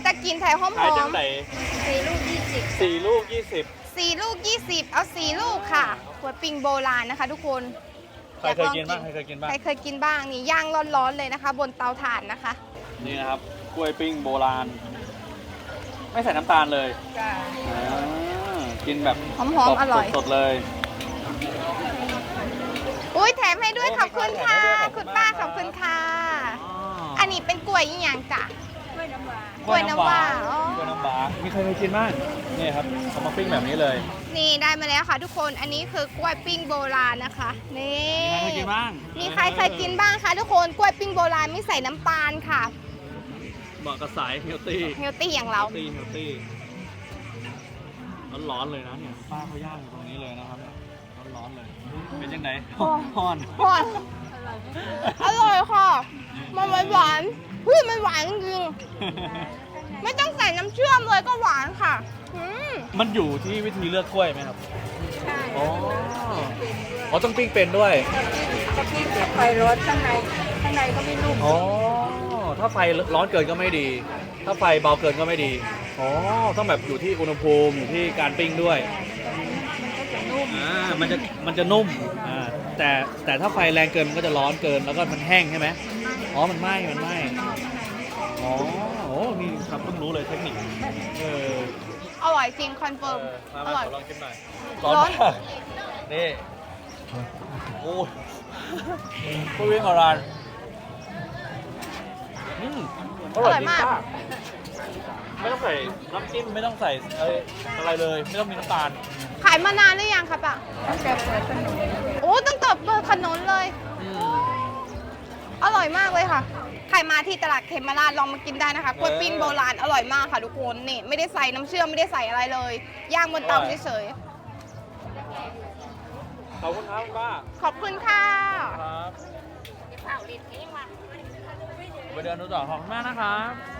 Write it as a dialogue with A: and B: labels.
A: จะกินแถวหอม
B: ขายจังไหน
C: 4 ลูก 20
B: 4 ลูก 20
A: 4 ลูก 20 เอา4 ลูกค่ะกล้วยปิ้งโบราณนะคะ ทุกคน
B: ใครเคยกินบ้างใครเคยกินบ้าง
A: ใครเคยกินบ้างนี่ย่างร้อนๆเลยนะคะ บนเตาถ่านนะคะ
B: นี่นะครับกล้วยปิ้งโบราณ ไม่ใส่น้ำตาลเลย
C: จ้า
B: กินแบบ
A: หอมๆอร่อย
B: สดๆเลย
A: อุ้ยแถมให้ด้วย
B: โอ้
A: ขอบคุณค่ะ
B: มีการแถมให้ด้วย
A: คุณป้าข
B: ข
A: อ
B: อ
A: บบ
B: คุ
A: คุณ
B: ณ
A: ค่ะ
B: อ๋อ
A: อันนี้เป็นกล้วยอีหยังจ้ะ
C: กล้วยน้ำว้าก
A: ล้วยน้ำว้าอ๋อ
B: กล้วยน้ำว้ามีใครเคยกินบ้างนี่ครับเอามาปิ้งแบบนี้เลย
A: นี่ได้มาแล้วค่ะ ทุกคนอันนี้คือกล้วยปิ้งโบราณนะคะนี่
B: มีใครเคยกินบ้าง
A: มีใครเคยกินบ้างคะทุกคนกล้วยปิ้งโบราณไม่ใส่น้ำตาลค่ะ
B: เหมาะกับสายเฮลตี้
A: เฮลตี้อย่างเรา
B: เฮลตี้ร้อนๆเลยนะเนี่ยป้าเขาย่างอยู่ตรงนี้เลยนะครับเนี่ยร้อนๆเลย เป็นยังไงฮ้อน
A: หวานอร่อยค่ะ มันหวานๆเฮ้ยมันหวานจริงๆไม่ต้องใส่น้ำเชื่อมเลยก็หวานค่ะอืม
B: มันอยู่ที่วิธีเลือกกล้วยไหมครับ
C: ใช่
B: อ๋ออ๋อต้องปิ้งเป็นด้วย
C: ถ้าพี่เก็บไฟร้อนข้างในก็ไม่นุ่ม
B: อ๋อ ถ้าไฟร้อนเกินก็ไม่ดี ถ้าไฟเบาเกินก็ไม่ดี อ๋อ ต้องแบบอยู่ที่อุณหภูมิอยู่ที่การปิ้งด้วย
C: มันก็จะนุ่ม
B: มันจะนุ่ม แต่ถ้าไฟแรงเกินมันก็จะร้อนเกินแล้วก็มันแห้งใช่ไหมอ๋อ มันไหม้อ๋อ โอ้นี่ครับเพิ่งรู้เลยเทคนิค
A: อร่อยจริงคอนเฟิร์ม
B: มา
A: อร่อย
B: ขอลองชิมหน่อย
A: ร้อน
B: มากนี่ โอ้ยพูดวิ่งของร้านอร่อยมากไม่ต้องใส่น้ำจิ้มไม่ต้องใส่อะไรเลย ไม่ต้องมีน้ำตาล
A: ขายมานานหรือยังคะป้า
C: ตั้งแต่เปิดถนน
A: โอ้ตั้งแต่เปิดถนนเลย อร่อยมากเลยค่ะ ใครมาที่ตลาดเขมราชลองมากินได้นะคะกล้วยปิ้งโบราณอร่อยมากค่ะทุกคนนี่ไม่ได้ใส่น้ำเชื่อมไม่ได้ใส่อะไรเลย ย่างบนเตาเฉย
B: ขอบคุณครับคุณป้า
A: ๆขอบคุณค่ะ
B: ครับไปเดินดูต่อขอบคุณมากนะครับ